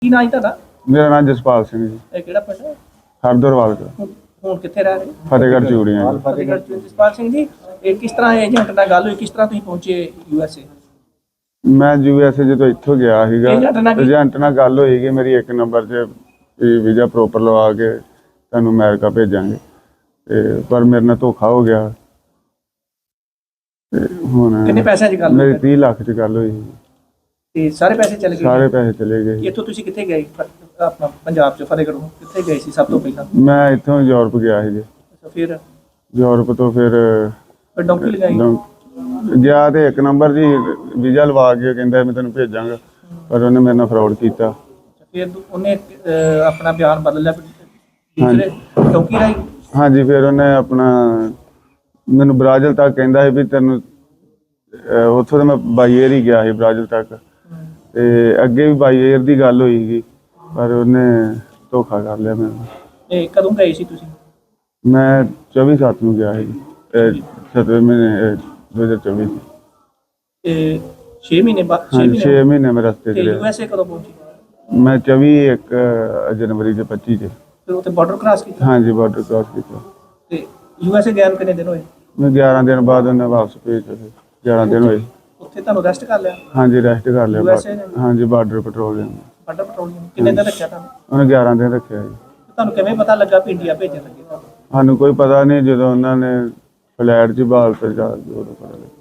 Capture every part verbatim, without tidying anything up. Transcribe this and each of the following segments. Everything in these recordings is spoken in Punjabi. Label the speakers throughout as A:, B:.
A: ਕੀ ਨਾਂ ਜੀ ਤੁਹਾਡਾ?
B: ਮੇਰਾ ਨਾਮ ਜਸਪਾਲ ਸਿੰਘ ਜੀ।
A: ਇਹ ਕਿਹੜਾ ਪਿੰਡ ਹੈ?
B: ਹਰਦਰਵਾਲ ਦਾ।
A: ਹੁਣ ਹੁਣ ਕਿੱਥੇ ਰਹਿ ਰਹੇ?
B: ਫਤਿਹਗੜ੍ਹ ਚੂੜੀਆਂ ਜੀ।
A: ਫਤਿਹਗੜ੍ਹ ਚ। ਜਸਪਾਲ ਸਿੰਘ ਜੀ, ਇਹ ਕਿਸ ਤਰ੍ਹਾਂ ਏਜੰਟ ਨਾਲ ਗੱਲ ਹੋਈ, ਕਿਸ ਤਰ੍ਹਾਂ ਤੁਸੀਂ ਪਹੁੰਚੇ ਯੂ ਐਸ ਏ?
B: ਮੈਂ ਯੂ ਐਸ ਏ ਜਦੋਂ ਇੱਥੋਂ ਗਿਆ ਸੀਗਾ,
A: ਏਜੰਟ ਨਾਲ ਕੀ-
B: ਏਜੰਟ ਨਾਲ ਗੱਲ ਹੋਈ ਕਿ ਮੇਰੀ ਇੱਕ ਨੰਬਰ 'ਚ ਵੀਜ਼ਾ ਪ੍ਰੋਪਰ ਲਵਾ ਕੇ ਤੁਹਾਨੂੰ ਅਮਰੀਕਾ ਭੇਜਾਂਗੇ, ਤੇ ਪਰ ਮੇਰੇ ਨਾਲ ਧੋਖਾ ਹੋ ਗਿਆ। ਤੇ ਹੁਣ
A: ਕਿੰਨੇ ਪੈਸਿਆਂ 'ਚ ਗੱਲ
B: ਮੇਰੀ
A: ਹੋਈ?
B: ਤੀਹ ਲੱਖ 'ਚ ਗੱਲ ਹੋਈ।
A: ਤੇ ਸਾਰੇ ਪੈਸੇ ਚਲੇ ਗਏ?
B: ਸਾਰੇ ਪੈਸੇ ਚਲੇ ਗਏ।
A: ਇੱਥੋਂ ਤੁਸੀਂ ਕਿੱਥੇ ਗਏ? ਫ- ਆਪਣਾ ਪੰਜਾਬ 'ਚ ਫਤਿਹਗੜ੍ਹੋਂ ਕਿੱਥੇ ਗਏ ਸੀ ਸਭ ਤੋਂ ਪਹਿਲਾਂ?
B: ਮੈਂ ਇੱਥੋਂ ਯੂਰਪ ਗਿਆ ਸੀ ਜੀ।
A: ਅੱਛਾ, ਫਿਰ
B: ਯੂਰਪ ਤੋਂ ਫਿਰ
A: ਫਿਰ ਡੌਂਕੀ ਲਗਾਈ?
B: ਡੌਂ- ਗਿਆ ਤੇ ਇੱਕ ਨੰਬਰ ਜੀ ਵੀਜ਼ਾ ਲਵਾ ਕੇ ਕਹਿੰਦਾ ਮੈਂ ਤੈਨੂੰ ਭੇਜਾਂਗਾ, ਪਰ ਉਹਨੇ ਮੇਰੇ ਨਾਲ ਫਰਾਡ ਕੀਤਾ।
A: ਫਿਰ ਦੂ- ਉਹਨੇ ਅਹ, ਆਪਣਾ ਬਿਆਨ ਬਦਲ ਲਿਆ ਦੂਸਰੇ ਡੌਂਕੀ ਰਾਹੀਂ?
B: ਹਾਂਜੀ, ਫਿਰ ਉਹਨੇ ਆਪਣਾ ਮੈਨੂੰ ਬ੍ਰਾਜ਼ਿਲ ਤੱਕ ਕਹਿੰਦਾ ਸੀ ਵੀ ਤੈਨੂੰ ਅਹ ਉੱਥੋਂ ਤਾਂ ਮੈਂ ਬਾਈ ਏਅਰ ਹੀ ਗਿਆ ਸੀ ਬ੍ਰਾਜ਼ਿਲ ਤੱਕ, ਤੇ ਅੱਗੇ ਵੀ ਬਾਈ ਏਅਰ ਦੀ ਗੱਲ ਹੋਈ ਸੀ, ਪਰ ਉਹਨੇ ਧੋਖਾ ਕਰ ਲਿਆ ਮੈਨੂੰ।
A: ਇਹ ਕਦੋਂ ਗਏ ਸੀ ਤੁਸੀਂ?
B: ਮੈਂ ਚੌਵੀ ਸੱਤ ਨੂੰ ਗਿਆ ਸੀ, ਸੱਤਵੇਂ ਮਹੀਨੇ ਦੋ ਹਜ਼ਾਰ ਚੌਵੀ।
A: ਇਹ ਛੇ ਮਹੀਨੇ ਬਾਅਦ? ਛੇ
B: ਹਾਂਜੀ, ਛੇ
A: ਮਹੀਨੇ
B: ਮਹੀਨੇ ਮੈਂ ਰਸਤੇ 'ਚ
A: ਤੇ ਯੂ
B: ਰਿਹਾ।
A: ਐਸ ਏ ਕਦੋਂ ਪਹੁੰਚੀ?
B: ਮੈਂ ਚੌਵੀ ਇੱਕ ਜਨਵਰੀ ਦੇ ਪੱਚੀ 'ਚ।
A: ਫਿਰ ਉੱਥੇ ਬਾਰਡਰ ਕ੍ਰਾਸ ਕੀਤਾ?
B: ਹਾਂਜੀ, ਬਾਰਡਰ ਕ੍ਰਾਸ ਕੀਤਾ।
A: ਤੇ ਯੂ ਐਸ ਏ ਗਿਆ ਨੂੰ ਕਿੰਨੇ ਦਿਨ ਹੋਏ?
B: ਮੈਂ ਗਿਆਰਾਂ ਦਿਨ ਬਾਅਦ ਉਹਨੇ ਵਾਪਸ ਭੇਜਿਆ ਸੀ। ਗਿਆਰਾਂ ਦਿਨ ਹੋਏ।
A: ਉੱਥੇ ਤੁਹਾਨੂੰ ਰੈਸਟ ਕਰ ਲਿਆ?
B: ਹਾਂਜੀ, ਰੈਸਟ ਕਰ ਲਿਆ।
A: ਯੂ ਐਸ ਏ ਨੇ?
B: ਹਾਂਜੀ, ਬਾਰਡਰ ਪੈਟਰੋਲਿੰਗ।
A: ਬਾਰਡਰ ਪੈਟਰੋਲਿੰਗ ਕਿੰਨੇ ਦਿਨ ਰੱਖਿਆ ਤੁਹਾਨੂੰ?
B: ਉਹਨੇ ਗਿਆਰਾਂ ਦਿਨ ਰੱਖਿਆ ਜੀ।
A: ਤੁਹਾਨੂੰ ਕਿਵੇਂ ਪਤਾ ਲੱਗਾ ਵੀ ਇੰਡੀਆ ਭੇਜਣ ਲੱਗੇ ਤੁਹਾਨੂੰ?
B: ਸਾਨੂੰ ਕੋਈ ਪਤਾ ਨਹੀਂ, ਜਦੋਂ ਉਹਨਾਂ ਨੇ ਫਲੈਟ 'ਚ ਬਾਲ ਤੇ ਜਾ ਕੇ ਉਦੋਂ ਪਤਾ ਲੱਗਾ।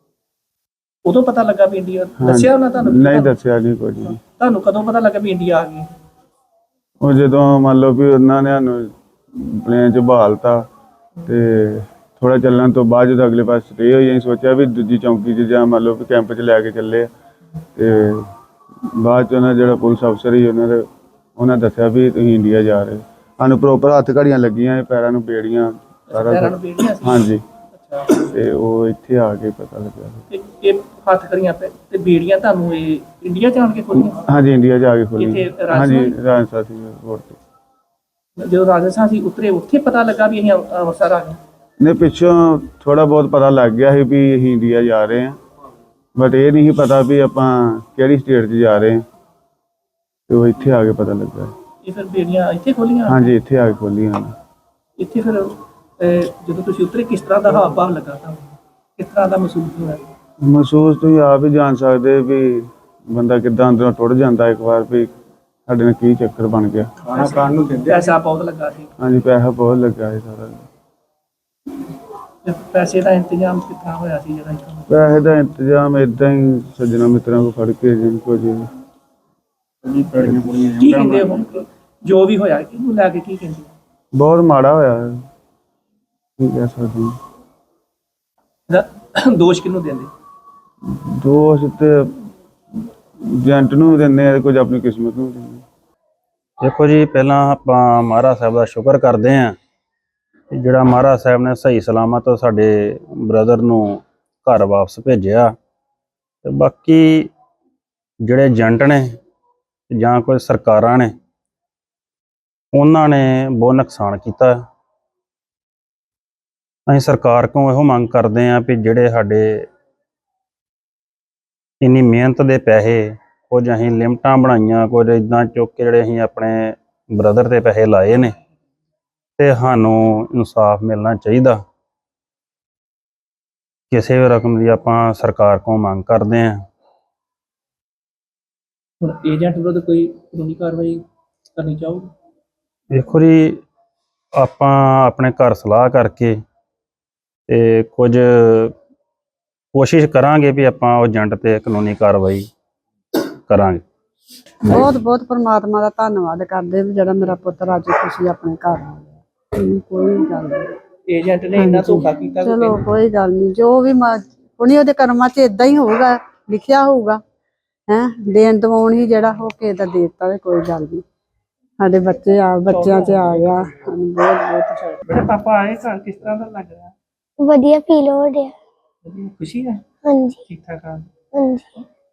A: ਉਦੋਂ ਪਤਾ ਲੱਗਾ ਵੀ ਇੰਡੀਆ?
B: ਹਾਂਜੀ।
A: ਦੱਸਿਆ ਉਹਨਾਂ ਤੁਹਾਨੂੰ?
B: ਨਹੀਂ ਦੱਸਿਆ ਨਹੀਂ ਕੁਝ ਵੀ।
A: ਤੁਹਾਨੂੰ ਕਦੋਂ ਪਤਾ ਲੱਗਾ ਵੀ ਇੰਡੀਆ ਆ ਗਈ?
B: ਉਹ ਜਦੋਂ ਮੰਨ ਲਓ ਵੀ ਉਹਨਾਂ ਨੇ ਸਾਨੂੰ ਪਲੇਨ 'ਚ ਬਹਾਲਤਾ, ਤੇ ਥੋੜਾ ਚੱਲਣ ਤੋਂ ਬਾਅਦ ਜਦੋਂ ਅਗਲੇ ਪਾਸੇ ਸਟੇ ਹੋਈ, ਅਸੀਂ ਸੋਚਿਆ ਵੀ ਦੂਜੀ ਚੌਂਕੀ 'ਚ ਜਾਂ ਮੰਨ ਲਓ ਵੀ ਕੈਂਪ 'ਚ ਲੈ ਕੇ ਚੱਲੇ ਆ। ਤੇ ਬਾਅਦ 'ਚ ਉਹਨਾਂ ਜਿਹੜਾ ਪੁਲਿਸ ਅਫਸਰ ਸੀ ਉਹਨਾਂ ਦੇ ਉਹਨਾਂ ਦੱਸਿਆ ਵੀ ਤੁਸੀਂ ਇੰਡੀਆ ਜਾ ਰਹੇ। ਸਾਨੂੰ ਪ੍ਰੋਪਰ ਹੱਥ ਘੜੀਆਂ ਲੱਗੀਆਂ, ਪੈਰਾਂ ਨੂੰ ਬੇੜੀਆਂ, ਸਾਰਾ
A: ਪੈਰਾਂ ਨੂੰ
B: ਕੁਛ।
A: ਬੇੜੀਆਂ ਸੀ?
B: ਹਾਂਜੀ,
A: ਅੱਛਾ।
B: ਤੇ ਉਹ ਇੱਥੇ ਆ ਕੇ ਪਤਾ ਲੱਗਿਆ।
A: ਤੇ ਇਹ ਹੱਥ ਕਰੀਆਂ ਪੈ ਤੇ ਬੇੜੀਆਂ ਤੁਹਾਨੂੰ ਇਹ ਇੰਡੀਆ ਜਾਣ ਕੇ ਖੋਲੀਆਂ?
B: ਹਾਂਜੀ, ਇੰਡੀਆ ਜਾ ਕੇ ਖੋਲੀ।
A: ਇੱਥੇ ਰਾਜਸਥਾਨ?
B: ਹਾਂਜੀ, ਰਾਜਸਥਾਨ ਸੀ ਰੋਡ ਤੇ।
A: ਜਦੋਂ ਰਾਜਸਥਾਨ ਸੀ ਉਤਰੇ, ਉੱਥੇ ਪਤਾ ਲੱਗਾ ਵੀ ਅਸੀਂ ਅੰਮ੍ਰਿ- ਅੰਮ੍ਰਿਤਸਰ ਆ ਗਏ?
B: ਨੇ ਪਿੱਛੋਂ ਥੋੜਾ ਬਹੁਤ ਪਤਾ ਲੱਗ ਗਿਆ ਸੀ ਵੀ ਅਸੀਂ ਇੰਡੀਆ ਜਾ ਰਹੇ ਹਾਂ, ਬਟ ਇਹ ਨਹੀਂ ਸੀ ਪਤਾ ਵੀ ਆਪਾਂ ਕਿਹੜੀ ਸਟੇਟ 'ਚ ਜਾ ਰਹੇ ਹਾਂ। ਤੇ ਉਹ ਇੱਥੇ ਆ ਕੇ ਪਤਾ ਲੱਗਾ।
A: ਇਹ ਫਿਰ ਬੇੜੀਆਂ ਇੱਥੇ ਖੋਲੀਆਂ?
B: ਹਾਂਜੀ, ਇੱਥੇ ਆ ਕੇ ਖੋਲੀਆਂ।
A: ਇੱਥੇ ਫਿਰ ਅਹ, ਜਦੋਂ ਤੁਸੀਂ ਉਤਰੇ ਕਿਸ ਤਰ੍ਹਾਂ ਦਾ ਹਾਵ ਭਾਵ ਲੱਗਾ ਤੁਹਾਨੂੰ? ਕਿਸ ਤਰ੍ਹਾਂ ਦਾ ਮਹਿਸੂਸ ਹੋਇਆ?
B: ਮਹਿਸੂਸ ਤੁਸੀਂ ਆਪ ਹੀ ਜਾਣ ਸਕਦੇ ਵੀ ਬੰਦਾ ਕਿੱਦਾਂ ਅੰਦਰੋਂ ਟੁੱਟ ਜਾਂਦਾ ਇੱਕ ਵਾਰ ਵੀ ਸਾਡੇ ਨਾਲ ਕੀ ਚੱਕਰ ਬਣ ਗਿਆ।
A: ਖਾਣਾ ਖਾਣ ਨੂੰ ਦਿੰਦੇ? ਪੈਸਾ ਬਹੁਤ ਲੱਗਾ ਸੀ?
B: ਹਾਂਜੀ, ਪੈਸਾ ਬਹੁਤ ਲੱਗਾ ਸੀ ਸਾਰਾ।
A: ਤੇ ਪੈਸੇ ਦਾ ਇੰਤਜ਼ਾਮ ਕਿੱਥਾਂ ਹੋਇਆ ਸੀ ਜਿਹੜਾ ਇੱਥੋਂ?
B: ਪੈਸੇ ਦਾ ਇੰਤਜ਼ਾਮ ਏਦਾਂ ਹੀ ਸੱਜਣਾ ਮਿੱਤਰਾਂ ਕੋਲ ਫੜ ਕੇ ਜਿੰਨ ਕੋ ਜੀ।
A: ਕੀ ਕਹਿੰਦੇ ਹੁਣ ਜੋ ਵੀ ਹੋਇਆ ਕਿਹਨੂੰ ਲੈ ਕੇ ਕੀ ਕਹਿੰਦੇ?
B: ਬਹੁਤ ਮਾੜਾ ਹੋਇਆ ਹੈ, ਕੀ ਕਹਿ ਸਕਦੇ ਹਾਂ।
A: ਇਹਦਾ ਦੋਸ਼ ਕਿਹਨੂੰ ਦਿੰਦੇ?
B: ਦੋਸ਼ ਤੇ ਏਜੰਟ ਨੂੰ ਵੀ ਦਿੰਦੇ ਆ, ਕੁਝ ਆਪਣੀ ਕਿਸਮਤ ਨੂੰ ਵੀ ਦਿੰਦੇ।
C: ਦੇਖੋ ਜੀ, ਪਹਿਲਾਂ ਆਪਾਂ ਮਹਾਰਾਜ ਸਾਹਿਬ ਦਾ ਸ਼ੁਕਰ ਕਰਦੇ ਹਾਂ ਕਿ ਜਿਹੜਾ ਮਹਾਰਾਜ ਸਾਹਿਬ ਨੇ ਸਹੀ ਸਲਾਮਤ ਸਾਡੇ ਬ੍ਰਦਰ ਨੂੰ ਘਰ ਵਾਪਸ ਭੇਜਿਆ। ਤੇ ਬਾਕੀ ਜਿਹੜੇ ਏਜੰਟ ਨੇ ਜਾਂ ਕੋਈ ਸਰਕਾਰਾਂ ਨੇ, ਉਹਨਾਂ ਨੇ ਬਹੁਤ ਨੁਕਸਾਨ ਕੀਤਾ। ਅਸੀਂ ਸਰਕਾਰ ਕੋਲੋਂ ਇਹੋ ਮੰਗ ਕਰਦੇ ਹਾਂ ਵੀ ਜਿਹੜੇ ਸਾਡੇ ਇੰਨੀ ਮਿਹਨਤ ਦੇ ਪੈਸੇ, ਕੁਝ ਅਸੀਂ ਲਿਮਟਾਂ ਬਣਾਈਆਂ, ਕੁਝ ਇੱਦਾਂ ਚੁੱਕ ਕੇ ਜਿਹੜੇ ਅਸੀਂ ਆਪਣੇ ਬ੍ਰਦਰ ਦੇ ਪੈਸੇ ਲਾਏ ਨੇ, ਤੇ ਸਾਨੂੰ ਇਨਸਾਫ ਮਿਲਣਾ ਚਾਹੀਦਾ। ਕਿਸੇ ਵੀ ਰਕਮ ਦੀ ਆਪਾਂ ਸਰਕਾਰ ਕੋਲੋਂ ਮੰਗ ਕਰਦੇ ਹਾਂ।
A: ਹੁਣ ਏਜੰਟ ਵਿਰੁੱਧ ਕੋਈ ਕਾਨੂੰਨੀ ਕਾਰਵਾਈ ਕਰਨੀ ਚਾਹੋਗੇ?
C: ਦੇਖੋ ਜੀ, ਆਪਾਂ ਆਪਣੇ ਘਰ ਸਲਾਹ ਕਰਕੇ ਤੇ ਕੁਝ ਕੋਸ਼ਿਸ਼ ਕਰਾਂਗੇ ਵੀ ਆਪਾਂ ਉਹ ਏਜੰਟ ਤੇ ਕਾਨੂੰਨੀ ਕਾਰਵਾਈ ਕਰਾਂਗੇ।
D: ਬਹੁਤ ਬਹੁਤ ਪਰਮਾਤਮਾ ਦਾ ਧੰਨਵਾਦ ਕਰਦੇ ਵੀ ਜਿਹੜਾ ਮੇਰਾ ਪੁੱਤਰ ਅੱਜ ਖੁਸ਼ੀ ਆਪਣੇ ਘਰ ਆ ਗਿਆ। ਇਹਨੂੰ ਕੋਈ ਗੱਲ ਨਹੀਂ,
A: ਏਜੰਟ ਨੇ ਇੰਨਾ ਧੋਖਾ ਕੀਤਾ?
D: ਚਲੋ ਕੋਈ ਗੱਲ ਨਹੀਂ, ਜੋ ਵੀ ਉਹਨੇ ਉਹਦੇ ਕਰਮਾਂ 'ਚ ਏਦਾਂ ਹੀ ਹੋਊਗਾ, ਲਿਖਿਆ ਹੋਊਗਾ। ਹੈਂ, ਦੇਣ ਦਵਾਉਣ ਹੀ ਜਿਹੜਾ ਹੋ ਕੇ ਤਾਂ ਦੇ ਦਿੱਤਾ, ਤੇ ਕੋਈ ਗੱਲ ਨਹੀਂ। ਸਾਡੇ ਬੱਚੇ ਆ ਬੱਚਿਆਂ 'ਚ ਆ ਗਿਆ, ਸਾਨੂੰ ਬਹੁਤ ਬਹੁਤ।
A: ਬੇਟਾ ਪਾਪਾ ਆਏ ਘਰ, ਕਿਸ ਤਰ੍ਹਾਂ ਦਾ ਲੱਗ ਰਿਹਾ?
E: ਵਧੀਆ ਫੀਲ ਹੋ ਰਿਹਾ।
A: ਖੁਸ਼ੀ ਹੈ?
E: ਹਾਂਜੀ।
A: ਠੀਕ ਠਾਕ ਆ?
E: ਹਾਂਜੀ।